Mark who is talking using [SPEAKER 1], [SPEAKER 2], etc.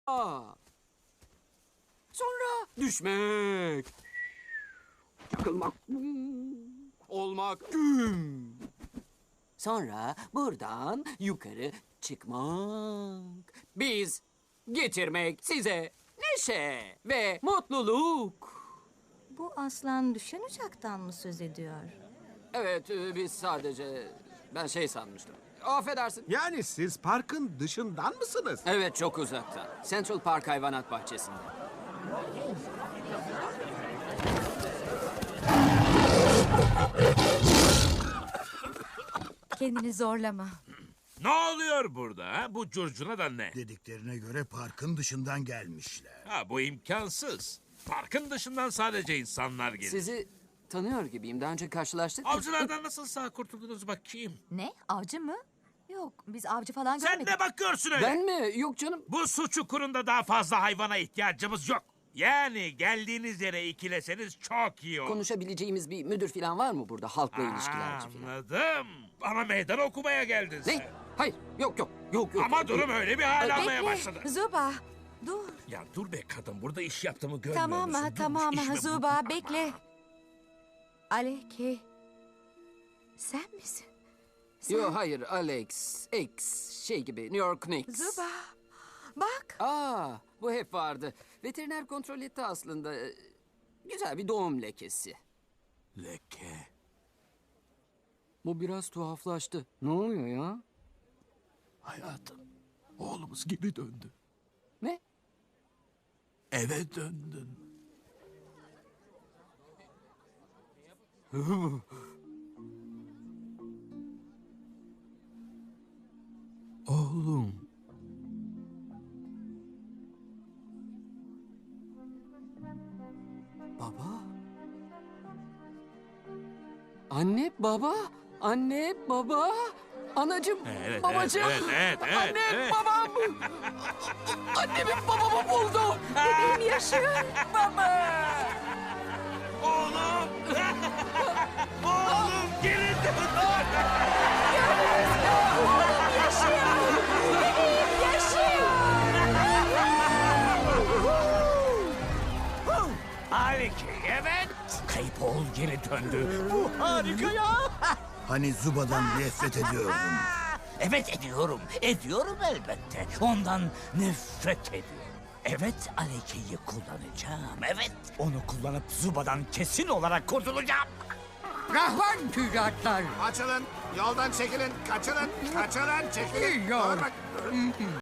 [SPEAKER 1] Sonra düşmek. Çakılmak. Olmak. Güm. Sonra buradan yukarı çıkmak. Biz getirmek size neşe ve mutluluk.
[SPEAKER 2] Bu aslan düşen uçaktan mı söz ediyor?
[SPEAKER 1] Evet, biz sadece... Ben şey sanmıştım. Affedersin.
[SPEAKER 3] Yani siz parkın dışından mısınız?
[SPEAKER 1] Evet, çok uzakta. Central Park Hayvanat Bahçesi'nde.
[SPEAKER 2] Kendini zorlama.
[SPEAKER 4] Ne oluyor burada? Ha? Bu curcuna da ne?
[SPEAKER 5] Dediklerine göre parkın dışından gelmişler.
[SPEAKER 4] Ha, bu imkansız. Parkın dışından sadece insanlar gelir.
[SPEAKER 1] Sizi tanıyor gibiyim. Daha önce karşılaştık mı?
[SPEAKER 4] Avcılardan nasıl sağ kurtuldunuz bakayım?
[SPEAKER 2] Ne? Avcı mı? Yok, biz avcı falan
[SPEAKER 4] Sen
[SPEAKER 2] görmedik.
[SPEAKER 4] ne bakıyorsun öyle?
[SPEAKER 1] Ben mi? Yok canım.
[SPEAKER 4] Bu su çukurunda daha fazla hayvana ihtiyacımız yok. Yani geldiğiniz yere ikileseniz çok iyi olur.
[SPEAKER 1] Konuşabileceğimiz bir müdür falan var mı burada? Halkla ilişkilerci falan.
[SPEAKER 4] Anladım. Bana meydan okumaya geldin sen.
[SPEAKER 1] Ne? Hayır. Yok.
[SPEAKER 4] Ama durum öyle bir hal almaya başladı.
[SPEAKER 2] Zuba, dur.
[SPEAKER 4] Ya dur be kadın, burada iş yaptığımı görmüyor
[SPEAKER 2] Tamam
[SPEAKER 4] musun?
[SPEAKER 2] mı?
[SPEAKER 4] Durmuş
[SPEAKER 2] Tamam
[SPEAKER 4] işime
[SPEAKER 2] mı?
[SPEAKER 4] bak.
[SPEAKER 2] Zuba, bekle. Aleki, sen misin?
[SPEAKER 1] Yok hayır Alex. X şey gibi New York Knicks.
[SPEAKER 2] Zuba, bak.
[SPEAKER 1] Bu hep vardı. Veteriner kontrol etti aslında. Güzel bir doğum lekesi.
[SPEAKER 4] Leke.
[SPEAKER 1] Bu biraz tuhaflaştı. Ne oluyor ya?
[SPEAKER 6] Hayatım, oğlumuz geri döndü.
[SPEAKER 1] Ne?
[SPEAKER 6] Eve döndün. Oğlum.
[SPEAKER 1] Baba? Anne, baba? Anne, baba? Anacığım,
[SPEAKER 4] Evet,
[SPEAKER 1] babacığım.
[SPEAKER 4] evet.
[SPEAKER 1] Annem, babam. Annemi babamı buldum. Bebeğim yaşıyor. Baba.
[SPEAKER 4] Oğlum! Oğlum geri dön! Haliki, evet. Kayıp oğul geri döndü. Bu harika ya.
[SPEAKER 5] Hani Zuba'dan nefret ediyordun.
[SPEAKER 7] Evet ediyorum. Ediyorum elbette. Ondan nefret ediyorum. Evet Aleke'yi kullanacağım. Evet. Onu kullanıp Zuba'dan kesin olarak kurtulacağım.
[SPEAKER 8] Rahvan tüccarlar.
[SPEAKER 3] Açılın, yoldan çekilin, kaçılın, çekilin.
[SPEAKER 8] Yok.
[SPEAKER 3] Bak,